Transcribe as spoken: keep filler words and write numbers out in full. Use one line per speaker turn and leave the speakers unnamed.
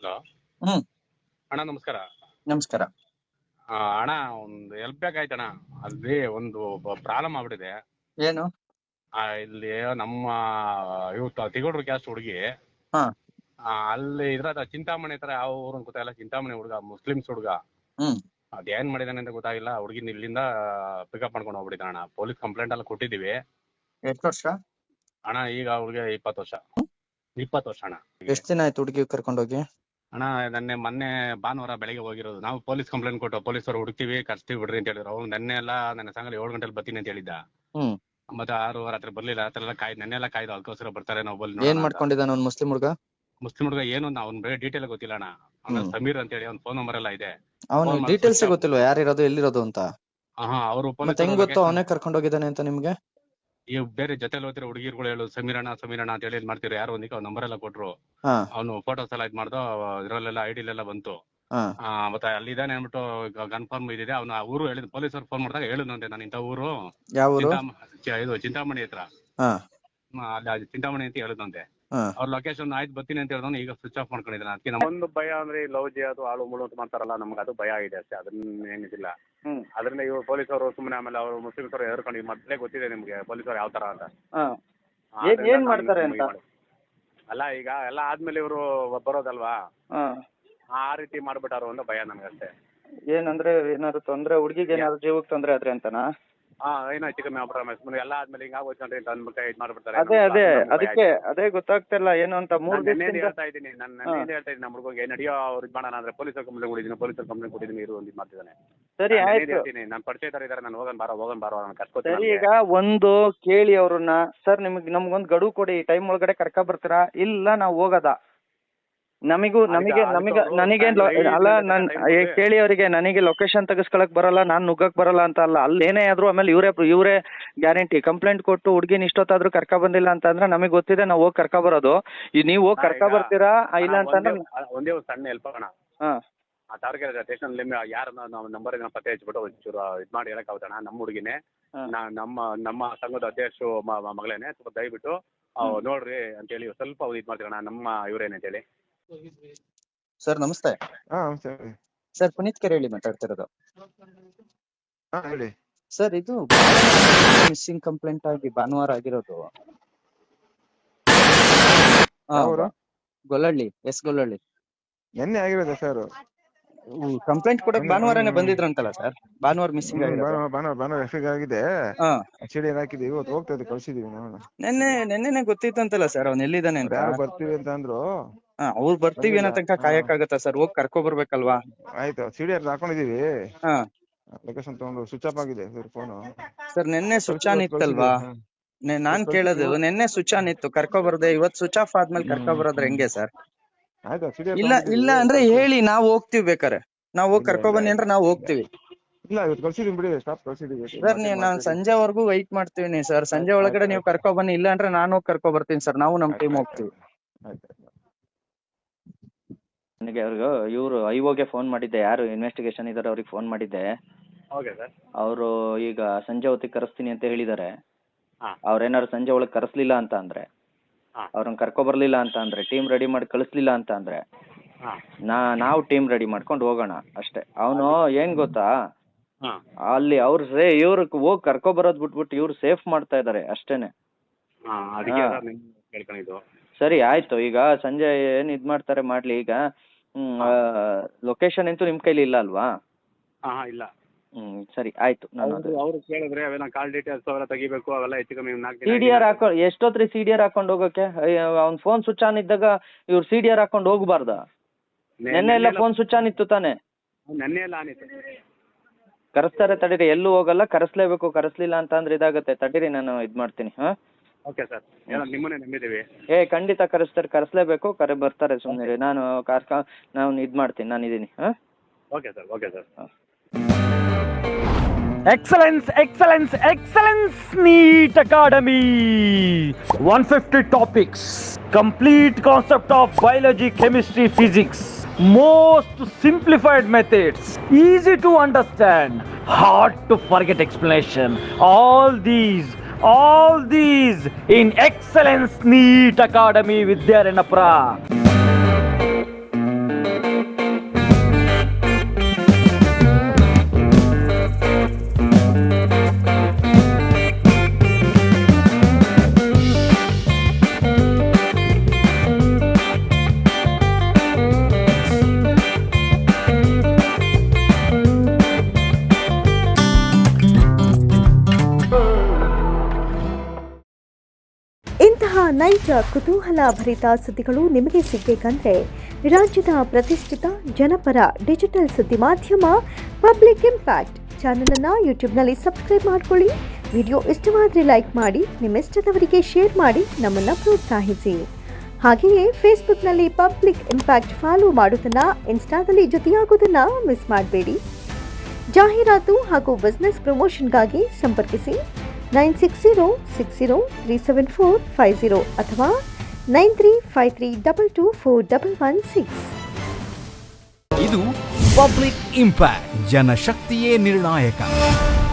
Hello
ಹ್ಮ್
ಅಣ್ಣ, ನಮಸ್ಕಾರ.
ನಮಸ್ಕಾರ.
ಆ, ಅಣ್ಣ, ಒಂದು ಹೆಲ್ಪ್ ಬೇಕಾಯ್ತಣ್ಣ. ಅಲ್ಲಿ ಒಂದು ಪ್ರಾಬ್ಲಮ್ ಆಗ್ಬಿಟ್ಟಿದೆ.
ಏನು?
ಆ, ಇಲ್ಲಿ ನಮ್ಮ ಇವ್ ತಿಗೋಡ್ರು ಕ್ಯಾಸ್ಟ್ ಹುಡುಗಿ,
ಹಾ
ಅಲ್ಲಿ ಇದ್ರ ಚಿಂತಾಮಣಿ ಹತ್ರ ಯಾವ ಊರು ಅಂತ ಗೊತ್ತಾಗಿಲ್ಲ. ಚಿಂತಾಮಣಿ ಹುಡುಗ, ಮುಸ್ಲಿಮ್ಸ್ ಹುಡುಗ.
ಹ್ಮ್
ಅದೇನ್ ಮಾಡಿದಾನೆ ಅಂತ ಗೊತ್ತಾಗಿಲ್ಲ. ಹುಡುಗಿನ ಇಲ್ಲಿಂದ ಪಿಕಪ್ ಮಾಡ್ಕೊಂಡು ಹೋಗ್ಬಿಟ್ಟಿದ್ದಾನೆ ಅಣ್ಣ. ಪೊಲೀಸ್ ಕಂಪ್ಲೇಂಟ್ ಎಲ್ಲ ಕೊಟ್ಟಿದೀವಿ
ಎಷ್ಟು ವರ್ಷ?
ಅಣ್ಣ. ಈಗ ಅವ್ರಿಗೆ ಇಪ್ಪತ್ತು ವರ್ಷ. ಇಪ್ಪತ್ತು ವರ್ಷ ಅಣ್ಣ.
ಎಷ್ಟ್ ದಿನ ಆಯ್ತು ಹುಡುಗಿ ಕರ್ಕೊಂಡೋಗಿ?
ಅಣ್ಣ, ನೆನ್ನೆ ಮೊನ್ನೆ ಭಾನುವಾರ ಬೆಳಗ್ಗೆ ಹೋಗಿರೋದು. ನಾವು ಪೊಲೀಸ್ ಕಂಪ್ಲೇಂಟ್ ಕೊಟ್ಟು ಪೊಲೀಸರು ಹುಡುಕ್ತಿವಿ, ಕರ್ಸ್ತೀವಿ ಬಿಡ್ರಿ ಅಂತ ಹೇಳಿದ್ರು. ಅವ್ರು ನೆನ್ನೆ ಎಲ್ಲ ನನ್ನ ಸಂಗಲಿ ಏಳು ಗಂಟೆಲಿ ಬರ್ತೀನಿ ಅಂತ ಹೇಳಿದ್ದ.
ಹ್ಮ್
ಮತ್ತೆ ಆರು ರಾತ್ರಿ ಬರ್ಲಿಲ್ಲ. ರಾತ್ರಿ ಎಲ್ಲ ಕಾಯ್ದು ನೆನ್ನೆ ಎಲ್ಲ ಕಾಯ್ದು ಅದಕ್ಕೋಸ್ಕರ ಬರ್ತಾರೆ ನಾವು ಬಲ್ಲಿ.
ಏನ್ ಮಾಡ್ಕೊಂಡಿದ್ದಾನ ಅವ್ನ್ ಮುಸ್ಲಿಂ ಹುಡುಗ?
ಮುಸ್ಲಿಂ ಹುಡುಗ ಏನು ಅವ್ನ ಬೇರೆ ಡೀಟೇಲ್ ಗೊತ್ತಿಲ್ಲ ಅಣ್ಣ. ಅವ್ನ ಸಮೀರ್ ಅಂತ ಹೇಳಿ ಅವ್ನ ಫೋನ್ ನಂಬರ್ ಎಲ್ಲ ಇದೆ.
ಅವ್ನ ಡೀಟೇಲ್ಸ್ ಗೊತ್ತಿಲ್ವಾ ಯಾರಿರೋದು ಎಲ್ಲಿರೋದು ಅಂತ?
ಹಾ, ಅವರು
ಮತ್ತೆ ಹೆಂಗ್ ಗೊತ್ತು ಅವನೇ ಕರ್ಕೊಂಡ್ ಹೋಗಿದ್ದಾನೆ ಅಂತ ನಿಮ್ಗೆ?
ಈ ಬೇರೆ ಜೊತೆಲಿ ಹೋಗ್ತಿರೋ ಹುಡುಗಿರ್ಗಳು ಹೇಳು ಸಮೀರಣ್ಣ ಸಮೀರಣ್ಣ ಅಂತ ಹೇಳಿ ಮಾಡ್ತಿರೋ. ಯಾರು ಒಂದಿಕ್ಕೆ ಅವ್ನ ನಂಬರ್ ಎಲ್ಲ ಕೊಟ್ರು. ಅವ್ನು ಫೋಟೋಸ್ ಎಲ್ಲ ಇದ್ ಮಾಡ್ದು ಇದ್ರಲ್ಲೆಲ್ಲ ಐಡಿಲೆಲ್ಲ ಬಂತು. ಆ ಮತ್ತೆ ಅಲ್ಲಿದ್ದಾನೆ ಅನ್ಬಿಟ್ಟು ಕನ್ಫರ್ಮ್ ಇದಿದೆ. ಅವ್ನ ಊರು ಹೇಳಿದ್ ಪೊಲೀಸರು ಫೋನ್ ಮಾಡಿದಾಗ ಹೇಳಿದ್ನಂತೆ, ನಾನು ಇಂಥ ಊರು ಇದು ಚಿಂತಾಮಣಿ ಹತ್ರ, ಅಲ್ಲಿ ಚಿಂತಾಮಣಿ ಅಂತ ಹೇಳಿದಂತೆ. ಅವ್ರ ಲೊಕೇಶನ್ ಆಯ್ತು ಬರ್ತೀನಿ ಅಂತ ಹೇಳಿದ್ರು. ಈಗ ಸ್ವಿಚ್ ಆಫ್ ಮಾಡ್ಕೊಂಡಿದ್ದಾನೆ. ಅದಕ್ಕೆ ನಮ್ಮೊಂದು ಭಯ ಅಂದ್ರೆ ಲವ್ ಜಿ ಅದು ಆಳು ಮುಳು ಅಂತ ಮಾಡ್ತಾರಲ್ಲ, ನಮ್ಗೆ ಅದು ಭಯ ಇದೆ ಅಷ್ಟೇ. ಅದನ್ನ ಏನಿದಿಲ್ಲ. ಅದರಿಂದ ಇವ್ರು ಪೊಲೀಸರು ಸುಮ್ಮನೆ ಆಮೇಲೆ ಅವರು ಮುಸ್ಲಿಮ್ಸ್ ಅವರು ಎದ್ಕೊಂಡು ಈಗ ಮೊದಲೇ ಗೊತ್ತಿದೆ ನಿಮ್ಗೆ ಪೊಲೀಸರು ಯಾವ ತರ ಅಂತ.
ಏನ್ ಮಾಡ್ತಾರೆ ಅಂತ
ಅಲ್ಲ, ಈಗ ಎಲ್ಲ ಆದ್ಮೇಲೆ ಇವರು ಬರೋದಲ್ವಾ, ಆ ರೀತಿ ಮಾಡ್ಬಿಟ್ಟಾರು ಅಂತ ಭಯ ನನ್ಗಷ್ಟೇ.
ಏನಂದ್ರೆ ಏನಾದ್ರು ತೊಂದ್ರೆ, ಹುಡುಗಿಗೆ ಏನಾದ್ರು ಜೀವಕ್ಕೆ ತೊಂದ್ರೆ ಆದ್ರೆ ಅಂತನಾ?
ಹಾ, ಏನೋ ಹೆಚ್ಚು ಕಮ್ಮಿ ಆಗ್ಬಿಟ್ರೆ ಎಲ್ಲ ಆದ್ಮೇಲೆ ಹಿಂಗ ಆಗೋಯ್ತು ಅಂತ ಅಂದ್ಬಿಟ್ಟು ಇದು ಮಾಡ್ಬಿಡ್ತಾರೆ.
ಅದೇ ಅದೇ ಅದಕ್ಕೆ ಅದೇ ಗೊತ್ತಾಗ್ತಿಲ್ಲ ಏನು ಅಂತ. ಮೂರ್ ದಿನ
ಹೇಳ್ತಾ ಇದ್ದೀನಿ ನಾನು ನಾನು ಹೇಳ್ತಾ ಇದ್ದೀನಿ ನಮ್ಮ ಹುಡುಗ ನಡಿಯೋ ಅವ್ರು ಇದು ಮಾಡೋಣ ಅಂದ್ರೆ ಪೊಲೀಸರು ಕಂಪ್ಲೇಂಟ್ ಕೊಟ್ಟಿದ್ದೀನಿ, ಪೊಲೀಸರು ಕಂಪ್ಲೇಂಟ್ ಕೊಟ್ಟಿದ್ದೀನಿ, ಇರು ಒಂದು ಇದು ಮಾಡ್ತಿದ್ದಾನೆ.
ಸರಿ ಆಯ್ತು,
ಹೇಳ್ತೀನಿ ನಾನು ಪರಿಚಯ ತರ ಇದಾರೆ, ನಾನು ಹೋಗೋಣ ಬಾರೋ ಹೋಗೋಣ ಬಾರೋ ನಾನು ಕರ್ಕೋತೀನಿ.
ಸರಿ, ಈಗ ಒಂದು ಕೇಳಿ ಅವ್ರನ್ನ, ಸರ್ ನಿಮ್ಗೆ ನಮ್ಗೊಂದು ಗಡುವು ಕೊಡಿ, ಈ ಟೈಮ್ ಒಳಗಡೆ ಕರ್ಕ ಬರ್ತೀರಾ? ಇಲ್ಲ ನಾವು ಹೋಗದ ನಮಿಗೂ ನಮಗೆ ನಮಗೆ ನನಗೇನ್ ಅಲ್ಲ, ನನ್ ಕೇಳಿ ಅವರಿಗೆ ನನಗೆ ಲೊಕೇಶನ್ ತೆಗಿಸ್ಕೊಳಕ್ ಬರಲ್ಲ, ನಾನ್ ನುಗ್ಗಕ್ ಬರಲ್ಲ ಅಂತ ಅಲ್ಲ. ಅಲ್ಲಿ ಏನೇ ಆದ್ರೂ ಆಮೇಲೆ ಇವರೇ ಇವರೇ ಗ್ಯಾರಂಟಿ. ಕಂಪ್ಲೇಂಟ್ ಕೊಟ್ಟು ಹುಡುಗಿನ ಇಷ್ಟೊತ್ತಾದ್ರೂ ಕರ್ಕ ಬಂದಿಲ್ಲ ಅಂತ ಅಂದ್ರೆ ನಮಗೆ ಗೊತ್ತಿದೆ, ನಾವು ಹೋಗಿ ಕರ್ಕ ಬರೋದು. ನೀವು ಹೋಗಿ ಕರ್ಕ ಬರ್ತೀರಾ ಇಲ್ಲ ಅಂತಂದ್ರೆ
ಒಂದೇ ಒಂದು ಸಣ್ಣ ಹೆಲ್ಪ್ ಆಗೋಣ. ಹಾ, ಆ ತಾರಕೆರೆ ಸ್ಟೇಷನ್ ಯಾರ ನಂಬರ್ ಪತ್ತೆ ಹಚ್ಬಿಟ್ಟು ಒಂಚೂರು ಇದು ಮಾಡಿ ಹೇಳಕ್ ಆಗುತ್ತಣ್ಣ. ನಮ್ಮ ಹುಡುಗಿನೇ, ನಮ್ಮ ನಮ್ಮ ಸಂಘದ ಅಧ್ಯಕ್ಷರು ಮಗಳೇನೆ, ಸ್ವಲ್ಪ ದಯವಿಟ್ಟು ನೋಡ್ರಿ ಅಂತ ಹೇಳಿ ಸ್ವಲ್ಪ ಇದು ಮಾಡ್ತೀರಣ್ಣ. ನಮ್ಮ ಇವ್ರೇನೆ ಅಂತ ಹೇಳಿ.
ಸರ್ ನಮಸ್ತೆ. ಸರ್ ಪುನೀತ್ ಕೆರೆ ಹೇಳಿ ಮಾತಾಡ್ತಿರೋದು.
ಹೇಳಿ
ಸರ್, ಇದು ಮಿಸ್ಸಿಂಗ್ ಕಂಪ್ಲೇಂಟ್ ಆಗಿ ಭಾನುವಾರ ಆಗಿರೋದು. ಗೊಲ್ಲಹಳ್ಳಿ, ಎಸ್ ಗೊಲ್ಲಹಳ್ಳಿ.
ನಿನ್ನೆ ಆಗಿರೋದು ಸರ್.
ಕಂಪ್ಲೇಂಟ್ ಕೊಡಕ್ ಭಾನುವಾರನೇ ಬಂದಿದ್ರಂತಲ್ಲ ಸರ್? ಭಾನುವಾರ ಮಿಸ್ಸಿಂಗ್
ಆಗಿದೆ, ಹಾಕಿದೀವಿ, ಇವತ್ತು ಹೋಗ್ತಾ ಇದ್ದೀವಿ, ಕಳ್ಸಿದೀವಿ.
ನೆನ್ನೆ ನೆನ್ನೆನೆ ಗೊತ್ತಿತ್ತಂತಲ್ಲ ಸರ್ ಅವ್ನು ಎಲ್ಲಿದ್ದಾನೆ ಅಂತ?
ಬರ್ತೀವಿ ಅಂತ ಅಂದ್ರು.
ಹಾ, ಅವ್ರು ಬರ್ತೀವಿ ಅನ್ನೋ ತನಕ ಕಾಯಕ್ಕಾಗತ್ತಾ ಸರ್? ಹೋಗಿ ಕರ್ಕೊ ಬರ್ಬೇಕಲ್ವಾ?
ಆಯ್ತು, ಸಿಡಿಆರ್ ಹಾಕೊಂಡಿದೀವಿ.
ಹಾ,
ಲೊಕೇಶನ್ ತಗೊಂಡು ಸ್ವಿಚ್ ಆಫ್ ಆಗಿದೆ ಸರ್ ಫೋನು.
ಸರ್ ನೆನ್ನೆ ಸ್ವಿಚ್ ಆನ್ ಇತ್ತಲ್ವಾ? ನಾನ್ ಕೇಳೋದು, ನೆನ್ನೆ ಸ್ವಿಚ್ ಆನ್ ಇತ್ತು, ಕರ್ಕೊ ಬರ್ದೆ, ಇವತ್ ಸ್ವಿಚ್ ಆಫ್ ಆದ್ಮೇಲೆ ಕರ್ಕೊ ಬರೋದ್ರೆ ಹೆಂಗೆ ಸರ್? ಇಲ್ಲ ಇಲ್ಲ ಅಂದ್ರೆ ಹೇಳಿ, ನಾವ್ ಹೋಗ್ತಿವಿ. ಬೇಕಾರೆ ನಾವ್ ಹೋಗಿ ಕರ್ಕೊ ಬನ್ನಿ ಅಂದ್ರೆ ನಾವ್ ಹೋಗ್ತಿವಿ.
ಇಲ್ಲ, ಇವತ್ತು ಕಳ್ಸಿದೀವಿ ಬಿಡಿ, ಸ್ಟಾಪ್ ಕಳ್ಸಿದೀವಿ
ಸರ್. ನೀವು ನಾನ್ ಸಂಜೆವರೆಗೂ ವೈಟ್ ಮಾಡ್ತೀವಿ ಸರ್. ಸಂಜೆ ಒಳಗಡೆ ನೀವು ಕರ್ಕೊ ಬನ್ನಿ, ಇಲ್ಲ ಅಂದ್ರೆ ನಾನು ಹೋಗಿ ಕರ್ಕೊ ಬರ್ತೀನಿ ಸರ್. ನಾವು ನಮ್ ಟೀಮ್ ಹೋಗ್ತೀವಿ. ನನಗೆ ಅವ್ರಿಗೆ ಇವರು ಐಒಗೆ ಫೋನ್ ಮಾಡಿದ್ದೆ, ಯಾರು ಇನ್ವೆಸ್ಟಿಗೇಷನ್ ಇದಾರೆ ಅವ್ರಿಗೆ ಫೋನ್ ಮಾಡಿದ್ದೆ. ಅವರು ಈಗ ಸಂಜೆ ಹೊತ್ತಿಗೆ ಕರೆಸ್ತೀನಿ ಅಂತ ಹೇಳಿದ್ದಾರೆ. ಅವ್ರೇನಾದ್ರು ಸಂಜೆ ಒಳಗೆ ಕರೆಸ್ಲಿಲ್ಲ ಅಂತ ಅಂದ್ರೆ, ಅವ್ರನ್ನ ಕರ್ಕೊ ಬರ್ಲಿಲ್ಲ ಅಂತ ಅಂದ್ರೆ, ಟೀಮ್ ರೆಡಿ ಮಾಡಿ ಕಳಿಸ್ಲಿಲ್ಲ ಅಂತ ಅಂದ್ರೆ, ನಾ ನಾವು ಟೀಮ್ ರೆಡಿ ಮಾಡ್ಕೊಂಡು ಹೋಗೋಣ ಅಷ್ಟೇ. ಅವನು ಏನ್ ಗೊತ್ತಾ, ಅಲ್ಲಿ ಅವ್ರು ಸೇ ಇವ್ರಿಗೆ ಹೋಗಿ ಕರ್ಕೊ ಬರೋದ್ ಬಿಟ್ಬಿಟ್ಟು ಇವ್ರು ಸೇಫ್ ಮಾಡ್ತಾ ಇದಾರೆ ಅಷ್ಟೇನೆ. ಸರಿ ಆಯ್ತು, ಈಗ ಸಂಜೆ ಏನ್ ಇದ್ ಮಾಡ್ತಾರೆ ಮಾಡ್ಲಿ. ಈಗ ಹ್ಮ್ ಲೊಕೇಶನ್ ಅಂತೂ ನಿಮ್ ಕೈಲಿ ಇಲ್ಲ ಅಲ್ವಾ?
ಇಲ್ಲ.
ಹ್ಮ್ ಸರಿ ಆಯ್ತು. ನಾನು
ಅವ್ರು ಕೇಳಿದ್ರೆ ಅವೆಲ್ಲ ಕಾಲ್ ಡೀಟೇಲ್ಸ್ ಅವೆಲ್ಲ ತೆಗಿಬೇಕು, ಅವೆಲ್ಲ ಹೆಚ್ಚು ಕಮ್ಮಿ
ಸಿ ಡಿ ಆರ್ ಹಾಕೊ ಎಷ್ಟೊತ್ರಿ ಸಿ ಡಿ ಆರ್ ಹಾಕೊಂಡು ಹೋಗಕ್ಕೆ? ಅವ್ನ್ ಫೋನ್ ಸ್ವಿಚ್ ಆನ್ ಇದ್ದಾಗ ಇವ್ರು ಸಿ ಡಿ ಆರ್ ಹಾಕೊಂಡು ಹೋಗ್ಬಾರ್ದ? ನೆನ್ನೆ ಎಲ್ಲ ಫೋನ್ ಸ್ವಿಚ್ ಆನ್ ಇತ್ತು ತಾನೆ?
ನೆನ್ನೆ ಎಲ್ಲ ಆನ್ ಇತ್ತು.
ಕರೆಸ್ತಾರೆ ತಡೀರಿ, ಎಲ್ಲೂ ಹೋಗಲ್ಲ, ಕರೆಸ್ಲೇಬೇಕು. ಕರೆಸ್ಲಿಲ್ಲ ಅಂತ ಅಂದ್ರೆ ಇದಾಗತ್ತೆ. ತಡೀರಿ, ನಾನು ಇದ್ ಮಾಡ್ತೀನಿ. ಹಾ
ಓಕೆ ಸರ್, ನಿಮ್ಮನ್ನೇ ನಂಬಿದ್ದೀವಿ.
ಏ ಖಂಡಿತ ಕರೆಸ್ತಾರೆ, ಕರೆಸ್ಲೇಬೇಕು. ಕರೆ ಬರ್ತಾರೆ, ಸುಮ್ಮನೆ ನಾನು ಕಾರ್ಕ ನಾನು ಇದ್ ಮಾಡ್ತೀನಿ, ನಾನು ಇದೀನಿ. ಹಾ
okay sir, okay sir.
Excellence, excellence, excellence, NEET Academy. one hundred fifty topics, complete concept of biology, chemistry, physics, most simplified methods, easy to understand, hard to forget explanation. All these, all these in Excellence NEET Academy, Vidya Renapura.
ನೈಜ ಕುತೂಹಲ ಭರಿತ ಸುದ್ದಿಗಳು ನಿಮಗೆ ಸಿಗಬೇಕಂದ್ರೆ ರಾಜ್ಯದ ಪ್ರತಿಷ್ಠಿತ ಜನಪರ digital ಸುದ್ದಿ ಮಾಧ್ಯಮ public impact ಚಾನಲನ್ನು ಯೂಟ್ಯೂಬ್ನಲ್ಲಿ ಸಬ್ಸ್ಕ್ರೈಬ್ ಮಾಡ್ಕೊಳ್ಳಿ. ವಿಡಿಯೋ ಇಷ್ಟವಾದರೆ ಲೈಕ್ ಮಾಡಿ, ನಿಮ್ಮಿಷ್ಟದವರಿಗೆ ಶೇರ್ ಮಾಡಿ ನಮ್ಮನ್ನು ಪ್ರೋತ್ಸಾಹಿಸಿ. ಹಾಗೆಯೇ ಫೇಸ್ಬುಕ್ನಲ್ಲಿ ಪಬ್ಲಿಕ್ ಇಂಪ್ಯಾಕ್ಟ್ ಫಾಲೋ ಮಾಡೋದನ್ನು, ಇನ್ಸ್ಟಾದಲ್ಲಿ ಜೊತೆಯಾಗೋದನ್ನು ಮಿಸ್ ಮಾಡಬೇಡಿ. ಜಾಹೀರಾತು ಹಾಗೂ ಬಿಸ್ನೆಸ್ ಪ್ರಮೋಷನ್ಗಾಗಿ ಸಂಪರ್ಕಿಸಿ nine six zero six zero three seven four five zero ಅಥವಾ nine three five three double two four double one six.
ಇದು ಪಬ್ಲಿಕ್ ಇಂಪ್ಯಾಕ್ಟ್, ಜನಶಕ್ತಿಯೇ ನಿರ್ಣಾಯಕ.